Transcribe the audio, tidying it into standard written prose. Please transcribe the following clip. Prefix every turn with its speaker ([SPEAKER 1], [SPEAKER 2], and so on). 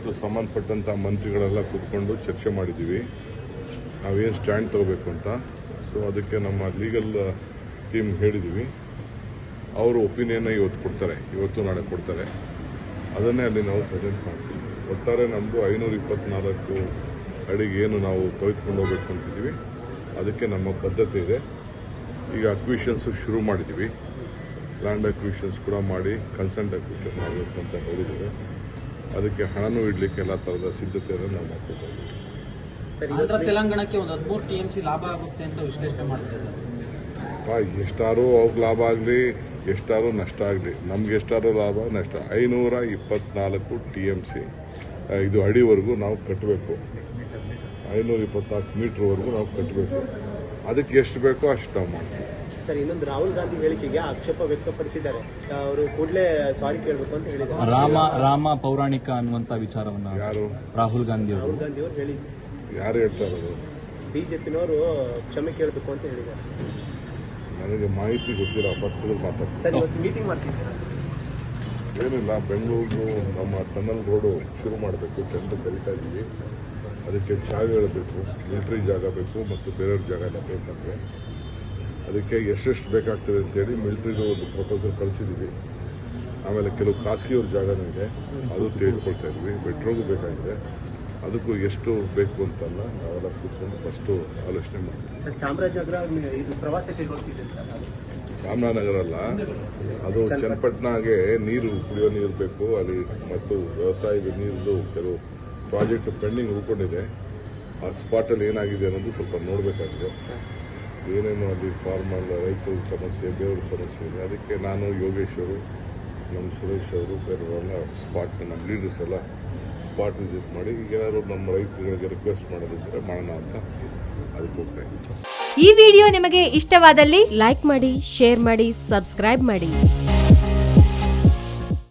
[SPEAKER 1] ಮತ್ತು ಸಂಬಂಧಪಟ್ಟಂಥ ಮಂತ್ರಿಗಳೆಲ್ಲ ಕೂತ್ಕೊಂಡು ಚರ್ಚೆ ಮಾಡಿದ್ದೀವಿ ನಾವೇನು ಸ್ಟ್ಯಾಂಡ್ ತಗೋಬೇಕು ಅಂತ. ಸೊ ಅದಕ್ಕೆ ನಮ್ಮ ಲೀಗಲ್ ಟೀಮ್ ಹೇಳಿದ್ದೀವಿ. ಅವರು ಒಪಿನಿಯನ್ನ ಇವತ್ತು ನಾಳೆ ಕೊಡ್ತಾರೆ. ಅದನ್ನೇ ಅಲ್ಲಿ ನಾವು ಪ್ರೆಸೆಂಟ್ ಮಾಡ್ತೀವಿ. ಒಟ್ಟಾರೆ ನಮ್ಮದು 524 ಅಡಿಗೆ ಏನು ನಾವು ತೆಗೆದುಕೊಂಡು ಹೋಗ್ಬೇಕು ಅಂತಿದ್ದೀವಿ. ಅದಕ್ಕೆ ನಮ್ಮ ಬದ್ಧತೆ ಇದೆ. ಈಗ ಅಕ್ವಿಷನ್ಸ್ ಶುರು ಮಾಡಿದ್ದೀವಿ. ಲ್ಯಾಂಡ್ ಅಕ್ವಿಷನ್ಸ್ ಕೂಡ ಮಾಡಿ ಕನ್ಸೆಂಟ್ ಅಕ್ವಿಷನ್ ಮಾಡಬೇಕು ಅಂತ ಹೇಳಿದ್ದೇವೆ. ಅದಕ್ಕೆ ಹಣನೂ ಇಡಲಿಕ್ಕೆ ಎಲ್ಲ ಥರದ ಸಿದ್ಧತೆಯನ್ನು ನಾವು ಮಾಡ್ಕೊಳ್ತಾ ಇದ್ದೀವಿ.
[SPEAKER 2] ಆಂಧ್ರ ತೆಲಂಗಾಣಕ್ಕೆ ಒಂದು 13 TMC ಲಾಭ ಆಗುತ್ತೆ ಅಂತ ವಿಶ್ಲೇಷಣೆ ಮಾಡ್ತಿದ್ದಾರೆ.
[SPEAKER 1] ಎಷ್ಟಾರು ಅವ್ರಿಗೆ ಲಾಭ ಆಗಲಿ ಎಷ್ಟಾರು ನಷ್ಟ ಆಗಲಿ, ನಮ್ಗೆ ಎಷ್ಟಾರು ಲಾಭ ನಷ್ಟ 524 TMC ಇದು ಅಡಿವರೆಗೂ ನಾವು ಕಟ್ಟಬೇಕು. 524 ಮೀಟ್ರ್ವರೆಗೂ ನಾವು ಕಟ್ಟಬೇಕು. ಅದಕ್ಕೆ ಎಷ್ಟು ಬೇಕೋ ಅಷ್ಟು ನಾವು ಮಾಡ್ತೀವಿ.
[SPEAKER 3] ಸರ್, ಇನ್ನೊಂದು ರಾಹುಲ್ ಗಾಂಧಿ ಹೇಳಿಕೆಗೆ ಆಕ್ಷೇಪ ವ್ಯಕ್ತಪಡಿಸಿದ್ದಾರೆ. ಅವರು ಕೂಡಲೇ ಸಾರಿ ಕೇಳಬೇಕು ಅಂತ ಹೇಳಿದ್ದಾರೆ.
[SPEAKER 4] ರಾಮ ಪೌರಾಣಿಕ ಅನ್ನುವಂತ ವಿಚಾರವನ್ನು
[SPEAKER 1] ಯಾರು
[SPEAKER 3] ರಾಹುಲ್
[SPEAKER 4] ರಾಹುಲ್ ಗಾಂಧಿ
[SPEAKER 3] ಅವರು ಹೇಳಿದ್ರು.
[SPEAKER 1] ಯಾರು ಹೇಳ್ತಾ ಇರೋದು?
[SPEAKER 3] ಬಿಜೆಪಿನವರು ಕ್ಷಮೆ ಕೇಳಬೇಕು ಅಂತ ಹೇಳಿದ್ದಾರೆ.
[SPEAKER 1] ನನಗೆ ಮಾಹಿತಿ ಗೊತ್ತಿಲ್ಲ. ಪಕ್ಕದಲ್ಲಿ ಮಾತಾಡ್ತೀನಿ.
[SPEAKER 3] ಸರ್, ಇವತ್ತು ಮೀಟಿಂಗ್ ಮಾಡ್ತಿದ್ದೀರಾ?
[SPEAKER 1] ಏನಿಲ್ಲ, ಬೆಂಗಳೂರು ನಮ್ಮ ಟನಲ್ ರೋಡು ಶುರು ಮಾಡಬೇಕು. ಟೆಂಡರ್ ಕರೀತಾ ಇದ್ದೀವಿ. ಅದಕ್ಕೆ ಜಾಗಗಳು ಬೇಕು, ಮಿಲಿಟರಿ ಜಾಗ ಬೇಕು ಮತ್ತು ಬೇರೆಯವ್ರ ಜಾಗ ಎಲ್ಲ ಬೇಕಂದರೆ ಅದಕ್ಕೆ ಎಷ್ಟೆಷ್ಟು ಬೇಕಾಗ್ತದೆ ಅಂತೇಳಿ ಮಿಲಿಟರಿದು ಒಂದು ಪ್ರಪೋಸಲ್ ಕಳಿಸಿದ್ದೀವಿ. ಆಮೇಲೆ ಕೆಲವು ಖಾಸಗಿಯವ್ರ ಜಾಗನೂ ಇದೆ, ಅದು ತೆಗೆದುಕೊಳ್ತಾ ಇದ್ವಿ. ಮೆಟ್ರೋಗೂ ಬೇಕಾಗಿದೆ. ಅದಕ್ಕೂ ಎಷ್ಟು ಬೇಕು ಅಂತಲ್ಲ, ನಾವೆಲ್ಲ ಕೂತ್ಕೊಂಡು ಫಸ್ಟು ಆಲೋಚನೆ ಮಾಡ್ತೀವಿ.
[SPEAKER 3] ಸರ್, ಚಾಮರಾಜನಗರ ಇದು ಪ್ರವಾಸಕ್ಕೆ ಹೋಗ್ತಿದೆ ಸರ್.
[SPEAKER 1] ರಾಮನಗರ ಅಲ್ಲ, ಅದು ಚನ್ನಪಟ್ಟಣಗೆ ನೀರು, ಕುಡಿಯೋ ನೀರು ಬೇಕು ಅಲ್ಲಿ ಮತ್ತು ವ್ಯವಸಾಯದ ನೀರಿದು ಕೆಲವು ಪ್ರಾಜೆಕ್ಟ್ ಪೆಂಡಿಂಗ್ ಉಳ್ಕೊಂಡಿದೆ. ಆ ಸ್ಪಾಟಲ್ಲಿ ಏನಾಗಿದೆ ಅನ್ನೋದು ಸ್ವಲ್ಪ ನೋಡಬೇಕಾಗಿದೆ. ಏನೇನು ಅಲ್ಲಿ ಫಾರ್ಮಲ್ ರೈತರ ಸಮಸ್ಯೆ, ಬೇರೆಯವ್ರ ಸಮಸ್ಯೆ ಇದೆ. ಅದಕ್ಕೆ ನಾನು, ಯೋಗೇಶ್ ಅವರು, ನಮ್ಮ ಸುರೇಶ್ ಅವರು, ಬೇರೆಯವರೆಲ್ಲ ನಮ್ಮ ಲೀಡರ್ಸ್ ಎಲ್ಲ ಸ್ಪಾಟ್ ವಿಸಿಟ್ ಮಾಡಿ ಈಗ ಏನಾದ್ರು ನಮ್ಮ ರೈತರಿಗೆ ರಿಕ್ವೆಸ್ಟ್ ಮಾಡೋದಿದ್ರೆ ಮಾಡೋಣ ಅಂತ ಅದಕ್ಕೆ ಹೋಗ್ತಾ ಇದ್ದೀವಿ.
[SPEAKER 5] ಈ ವಿಡಿಯೋ ನಿಮಗೆ ಇಷ್ಟವಾದಲ್ಲಿ ಲೈಕ್ ಮಾಡಿ, ಶೇರ್ ಮಾಡಿ, ಸಬ್ಸ್ಕ್ರೈಬ್ ಮಾಡಿ.